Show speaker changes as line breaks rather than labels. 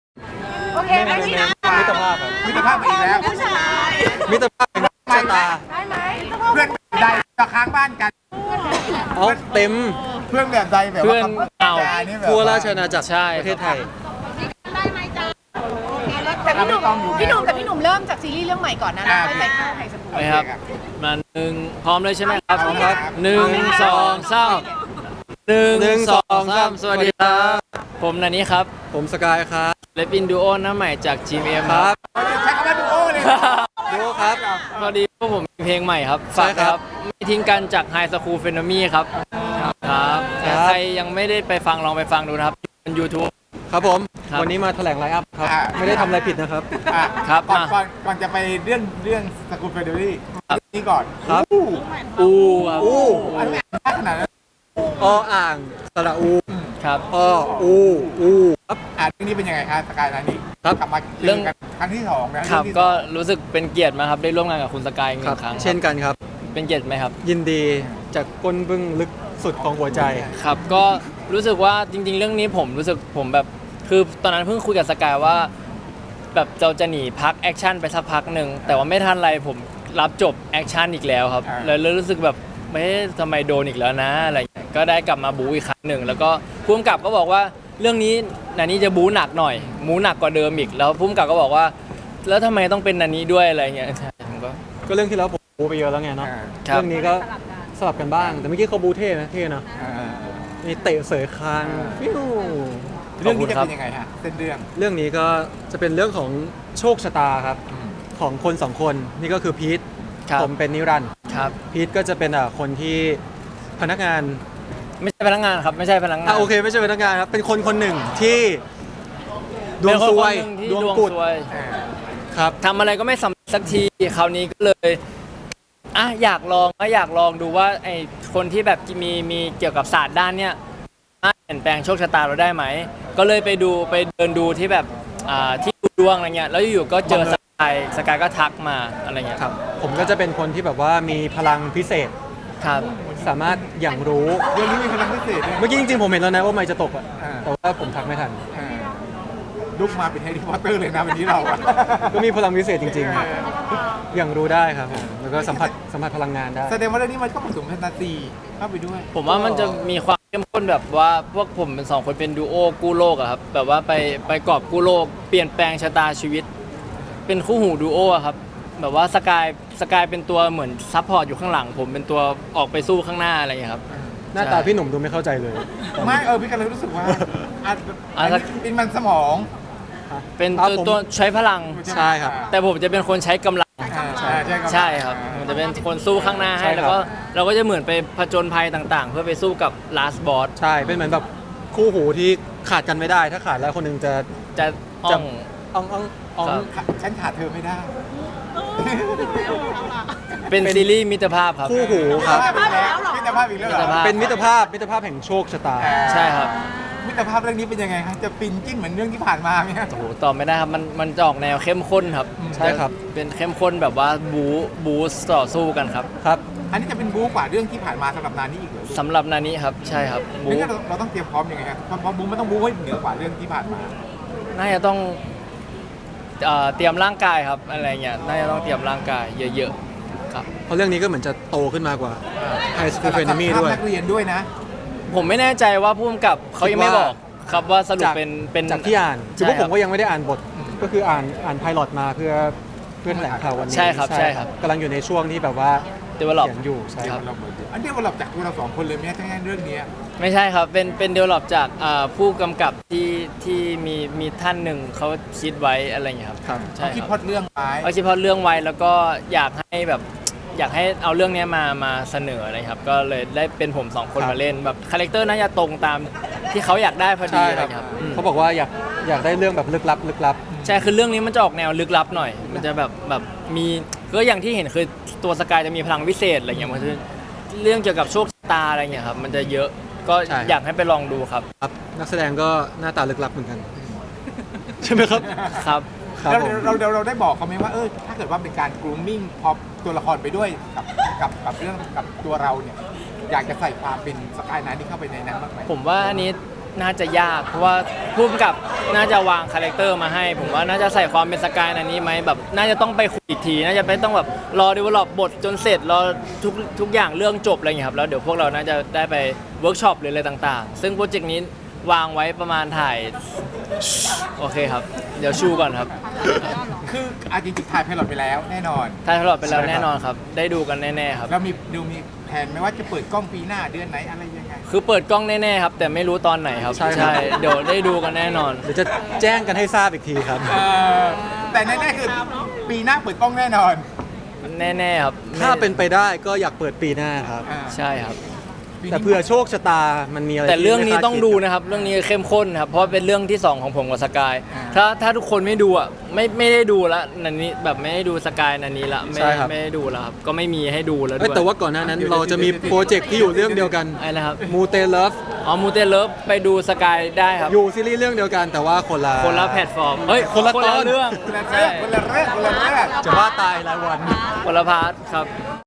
โอเคไหมพี่นะ
มิตรภาพครับ
มิตรภาพอีกแล้ว
ผู้ชาย
มิตรภาพเป็นชะตา
ได้ไหม
เพื่อนใดจะค้างบ้านกัน
เอาเต็ม
เพื่อนแบบใดแบบ
เพื่
ว่า
อนเก่า
นี่แบบ
ทั่วราชอาณาจักร
ใช่
ประเทศไทย
แต่พี่หนุ่มแต่พี่หนุ่มเริ่มจากซีรีส์เรื่องใหม่ก่อนนะแล้วค่อยไปเข้าไฮสคูล
ไหมครับมาหนึ่งพร้อมเลยใช่ไหมครับ
พร้อมครับ
หนึ่งสองสามหนึ่งสองสามสวัสดีครับ ผมนันนี้ครับ
ผมสกายครับ
เลปินดูโอหน้าใหม่จาก GMM
ค
ค
รั
รับ บ
ใช้คำว่าดูโอเลย
ดูครับ
พอดีพวกผมมีเพลงใหม่ครับ
ใช่
ฝาก
ครับ
ไม่ทิ้งกันจาก High School p h e n o m y ครับครับ
ครับ
ใครยังไม่ได้ไปฟังลองไปฟังดูนะครับบน YouTube
ครับผม
ครับ
วันนี้มาแถลงไลฟ์อัพครับ ไม่ได้ทำอะไรผิดนะครับ
ครับ
ก่อน
มา
ก่อนจะไปเรื่องสกุลเฟเดอรี่นี่ก่อน
ครับ
อู้ครับ
อู้
อันนี้ขนาดนั้น
ออ่างสระอู
ครับ
อูครับ
เรื่องนี้เป็นยังไงครับสกายนานี่
ครับ
กลับมาเรื่องกันครั้งที่สองนะครับ
ก็รู้สึกเป็นเกียรติมากครับได้ร่วมงานกับคุณสกายอีกห
ครั
นึ่
บ
งครั้ง
เช่นกันครับ
เป็นเกียรติไหมครับ
ยินดีจากก้นบึ้งลึกสุดของหัวใจ
ครับก็รู้สึกว่าจริง ๆ เรื่องนี้ผมรู้สึกผมแบบคือตอนนั้นเพิ่งคุยกับสกายว่าแบบเราจะหนีพักแอคชั่นไปสักพักหนึ่งแต่ว่าไม่ทันไรผมรับจบแอคชั่นอีกแล้วครับเลยรู้สึกแบบไม่ทำไมโดนอีกแล้วนะอะไรอย่างเงี้ยก็ได้กลับมาบู๊อีกครั้งหนึ่งแล้วก็ผู้กำกับก็บอกว่าเรื่องนี้นันนี้จะบู๊หนักหน่อยบู๊หนักกว่าเดิมอีกแล้วผู้กำกับก็บอกว่า แล้วทำไมต้องเป็นนันนี้ด้วยอะไรอย่างเงี้ยใช่ผมก็
ก็เรื่องที่แล้วผมบูไปเยอะแล้วไงเนาะ
ครับ
เรื่องนี้ก็สลับกันบ้าง แต่เมื่อกี้เขาบูเท่นะเท่เนาะมีเตะเสยคางฟิว
เรื่องนี้จะเป็นยังไงฮะเส้นเรื่อง
เรื่องนี้ก็จะเป็นเรื่องของโชคชะตาครับ ของคนสองคนนี่ก็คือพีท
ครับ
ผมเป็นนิรันดร์
ครับ
พีทก็จะเป็นคนที่พนักงาน
ไม่ใช่พนักงานครับไม่ใช่พนักงาน
โอเคไม่ใช่พนักงานครับเป็นคนคนหนึ่งที่ดวงซวย
เป็นคนคนหนึ่งที่
ดวง
ดวง
กุด
ซวย
ครับ
ทำอะไรก็ไม่สำเร็จสักทีคราวนี้ก็เลยอยากลองดูว่าไอคนที่แบบมีเกี่ยวกับศาสตร์ด้านเนี้ยสามารถเปลี่ยนแปลงโชคชะตาเราได้ไหมก็เลยไปเดินดูที่แบบที่ดูดวงอะไรเงี้ยแล้วอยู่ๆก็เจอสกายก็ทักมาอะไรเงี้ย
ครับผมก็จะเป็นคนที่แบบว่ามีพลังพิเศษ
ครับ
สามารถอย่างรู้
เรื่องนี้มีพลังพิเศษด้วย
เมื่อกี้จริงๆผมเห็นแล้วนะว่าไม่จะตกอะ
อ่า
แต่ว่าผมทักไม่ทัน
ลุกมาเป็นแฮร์รี่พอตเตอร์เลยนะวันนี้เราอะ
ก็มีพลังพิเศษจริงๆ อย่างรู้ได้ครับผมแล้วก็สัมผัสพลังงานได้
แสดงว่าเรื่องนี้มันก็ผสมแฟนตาซีเข้าไปด้วย
ผมว่ามันจะมีความเข้มข้นแบบว่าพวกผมเป็นสองคนเป็นดูโอกู้โลกอะครับแบบว่าไปกอบกู้โลกเปลี่ยนแปลงชะตาชีวิต เป็นคู่หูดูโออะครับแบบว่าสกายเป็นตัวเหมือนซัพพอร์ตอยู่ข้างหลัง ผมเป็นตัวออกไปสู้ข้างหน้าอะไรอย่างเงี้ยครับ
หน้าตาพี่หนุ่มดูไม่เข้าใจเลย
ไม่พี่กันเลยรู้สึกว่าอันนี้เป็นมันสมอง
เป็น
ครับ
ตัว
ผม
ตัวใช้พลัง
ใช่ครับ
แต่ผมจะเป็นคนใช้กำลัง
ใช่ครับ
ใช่ครับผมจะเป็นคนสู้ข้างหน้าให้
ใช่ครับ
แล้วก็เราก็จะเหมือนไปผจญภัยต่างๆ เพื่อไปสู้กับ last boss
ใช่เป็นเหมือนแบบคู่หูที่ขาดกันไม่ได้ ถ้าขาดแล้วคนหนึงจะ
จะอ่อง
อ่องอ่อง
ครับ
ฉันขาดเธอไม่ได้
เป็นซีรีส์มิตรภาพครับ
คู่หูครับ
มิตรภาพอีกแล้วเหรอ
เป็นมิตรภาพแห่งโชคชะตา
ใช่ครับ
มิตรภาพเรื่องนี้เป็นยังไงครับจะฟินจิ้นเหมือนเรื่องที่ผ่านมาไหมครับ
โอ้โหตอบไม่ได้ครับมันจะออกแนวเข้มข้นครับ
ใช่ครับ
เป็นเข้มข้นแบบว่าบูต่อสู้กันครับ
ครับ
อันนี้จะเป็นบู๊กว่าเรื่องที่ผ่านมาสำหรับนานี่อีกเหรอ
สำหรับนานี้ครับใช่ครับบู
นี่เราต้องเตรียมพร้อมยังไงครับเพราะบู๊มันต้องบู๊ให้เหนือกว่าเรื่องที่ผ่านมา
น่าจะต้องเตรียมร่างกายครับอะไรเงี้ยน่าจะต้องเตรียมร่างกายเยอะๆครับ
เพราะเรื่องนี้ก็เหมือนจะโตขึ้นมากว่า High School f r e n e m y ด้วย
นักเรียนด้วยนะ
ผมไม่แน่ใจว่าผู้กำกับเขายังไม่บอกครับว่าสรุปเป็น
จากที่อ่านคือพวก
ใช่
ผ
ครับ
มก็ยังไม่ได้อ่านบท ก็คืออ่านไพลอตมาเพื่อแถลงข่าววันนี้
ใช่ครับใช่ครับ
กำลังอยู่ในช่วงที่แบบว่า
develop
เขียนอยู่ใช่
ครับ
อันเดียวกับจากตัวเราสองคนเลยไหมทั้งเรื่องนี้
ไม่ใช่ครับเป็นเดเวลลอปจากผู้กำกับที่มีท่านหนึ่งเขาคิดไว้อะไรอย่างเงี้ยครับ
ครับ
ใช่
คิด
ค
พล็
รั
อบ ตเรื่องไว้
เขาคิดพอดเรื่องไว้แล้วก็อยากให้เอาเรื่องเนี้ยมาเสนออะไรครับ ก็เลยได้เป็นผมสองคน
ครับ
มาเล่นแบบคาแรคเตอร์น่าจะตรงตามที่เขาอยากได้พอดี
ใช่
อะไร
ครับ
ครับ
เขาบอกว่าอยากได้เรื่องแบบลึกลับ
ใช่คือเรื่องนี้มันจะออกแนวลึกลับหน่อย มันจะแบบมีก็อย่างที่เห็นคือตัวสกายจะมีพลังวิเศษอะไรอย่างเงี้ยมันคือเรื่องเกี่ยวกับโชคชะตาอะไรอย่างเงี้ยครับมันจะเยอะก็อยากให้ไปลองดูครับ
ครับนักแสดงก็หน้าตาลึกลับเหมือนกัน ใช่ไหมครับ
ครับ
ครับผม
เราได้บอกเขาไหมว่าถ้าเกิดว่าเป็นการ grooming พอตัวละครไปด้วยกับเรื่องกับตัวเราเนี่ยอยากจะใส่ความเป็นสกายนั้นที่เข้าไปในนั้นบ้างไหม
ผมว่าอันนี้น่าจะยากเพราะว่าผู้กำกับน่าจะวางคาแรคเตอร์มาให้ ผมว่าน่าจะใส่ความเป็นสกายในนี้ไหมแบบน่าจะต้องไปคุยอีกทีน่าจะไม่ต้องแบบรอดีเวลลอปบทจนเสร็จรอทุกอย่างเรื่องจบอะไรอย่างเงี้ยครับแล้วเดี๋ยวพวกเราน่าจะได้ไปเวิร์กช็อปหรืออะไรต่างๆ ซึ่งโปรเจกต์นี้วางไว้ประมาณถ่ายโอเคครับ เดี๋ยวชูก่อนครับ
คือจริงๆถ่ายไพลอตไปแล้วแน่นอน
ถ่ายตลอดไปแล้วแน่นอนครับ ได้ดูกันแน่ๆครับ
แล้วมีแผนไหมว่าจะเปิดกล้องปีหน้าเดือนไหนอะไรยังไง
คือเปิดกล้องแน่ๆครับ แต่ไม่รู้ตอนไหนครับ
ใช่ครับ
เดี๋ยวได้ดูกันแน่นอน
เดี๋ยวจะแจ้งกันให้ทราบอีกทีครับ
แต่แน่ๆคือปีหน้าเปิดกล้องแน่นอน
แน่ๆครับ
ถ้าเป็นไปได้ก็อยากเปิดปีหน้าครับ
ใช่ครับ
แต่เผื่อโชคชะตามันมีอะไร
แต่เรื่องนี้
ที่ไม่คา
ต้องดูนะครับ เรื่องนี้เข้มข้นครับ เพราะเป็นเรื่องที่ 2 ของผมกับสกาย ถ้าทุกคนไม่ดูอ่ะไม่ได้ดูแล้วนันนี้แบบไม่ได้ดูสกายนันนี้ละไม่ได้ดูแล้วครับก็ไม่มีให้ดูแล้วด้
เอ้ย
วย
แต่ว่าก่อนหน้านั้นเราจะมีโปรเจกต์ที่อยู่เรื่องเดียวกัน
อะไรนะครับ
มูเตเลิฟ
อ๋อมูเตเลิฟไปดูสกายได้ครับ
อยู่ซีรีส์เรื่องเดียวกันแต่ว่าคนละ
คนละแพลตฟอร์มเฮ้ย
คนละตอน
เรื่อง
คนละ
ใช่
เรื่องคนละเรื่อง
จะว่าตายรายวัน
คนละพาร์ทครับ